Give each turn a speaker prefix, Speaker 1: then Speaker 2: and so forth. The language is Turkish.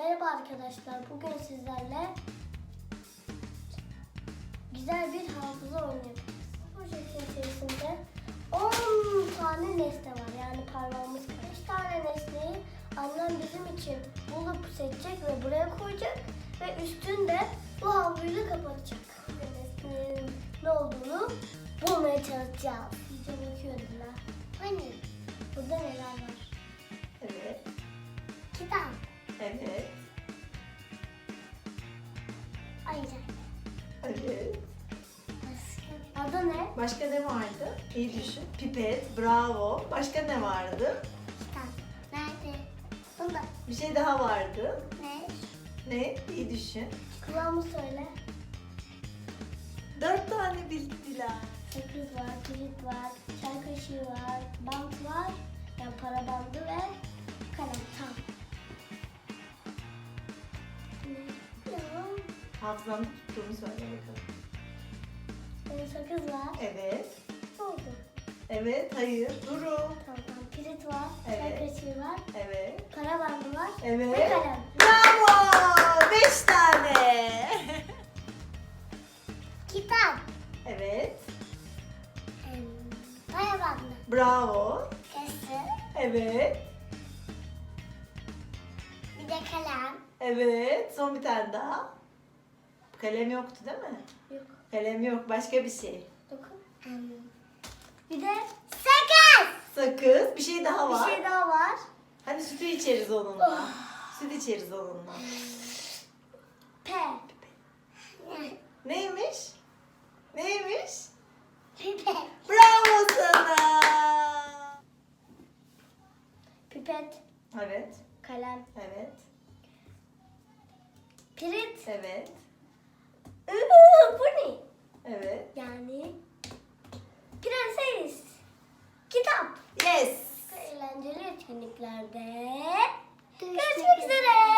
Speaker 1: Merhaba arkadaşlar. Bugün sizlerle güzel bir hafıza oyunu yapacağız. Projenin içerisinde 10 tane nesne var. Yani parmağımız 5 tane nesneyi annem bizim için bulup seçecek ve buraya koyacak. Ve üstünde bu havluyla kapatacak. Ve nesnenin ne olduğunu bulmaya çalışacağız. İyice bakıyordular. Hani burada neler var?
Speaker 2: Evet.
Speaker 1: Kitap.
Speaker 2: Evet.
Speaker 1: Ayıcak.
Speaker 2: Evet.
Speaker 1: Adı ne?
Speaker 2: Başka ne vardı? İyi düşün. Pipet, bravo. Başka ne vardı?
Speaker 1: Kitap. Nerede? Bunda.
Speaker 2: Bir şey daha vardı.
Speaker 1: Ne?
Speaker 2: Ne? İyi düşün.
Speaker 1: Kulağımı söyle.
Speaker 2: 4 tane bildiler.
Speaker 1: Sakız var, kilit var, çay kaşığı var, bant var, yani para bandı ve kalem. Tamam. Ne? Ya.
Speaker 2: Hafızamda tuttuğumu söyle bakalım.
Speaker 1: Sakız var.
Speaker 2: Evet.
Speaker 1: Ne oldu?
Speaker 2: Evet, hayır. Duru.
Speaker 1: Tamam. Kilit var, çay
Speaker 2: Evet.
Speaker 1: kaşığı var,
Speaker 2: Evet.
Speaker 1: para bandı var ve
Speaker 2: Evet.
Speaker 1: kalem.
Speaker 2: Bravo! 5 tane.
Speaker 1: Kitap.
Speaker 2: Evet.
Speaker 1: Para bandı.
Speaker 2: Bravo.
Speaker 1: Kası.
Speaker 2: Evet.
Speaker 1: Bir de kalem.
Speaker 2: Evet. Son bir tane daha. Kalem yoktu değil mi?
Speaker 1: Yok.
Speaker 2: Kalem yok. Başka bir şey.
Speaker 1: Dokun. Bir de sakız.
Speaker 2: Sakız. Bir şey daha var.
Speaker 1: Bir şey daha var.
Speaker 2: Hadi sütü içeriz onunla. Süt içeriz onunla.
Speaker 1: P.
Speaker 2: Neymiş? Neymiş?
Speaker 1: Pipet.
Speaker 2: Bravo sana.
Speaker 1: Pipet.
Speaker 2: Evet.
Speaker 1: Kalem.
Speaker 2: Evet.
Speaker 1: Pirit.
Speaker 2: Evet.
Speaker 1: Bu ne?
Speaker 2: Evet.
Speaker 1: Yani prenses. Kitap.
Speaker 2: Yes.
Speaker 1: Eğlenceli etkinliklerde görüşmek üzere.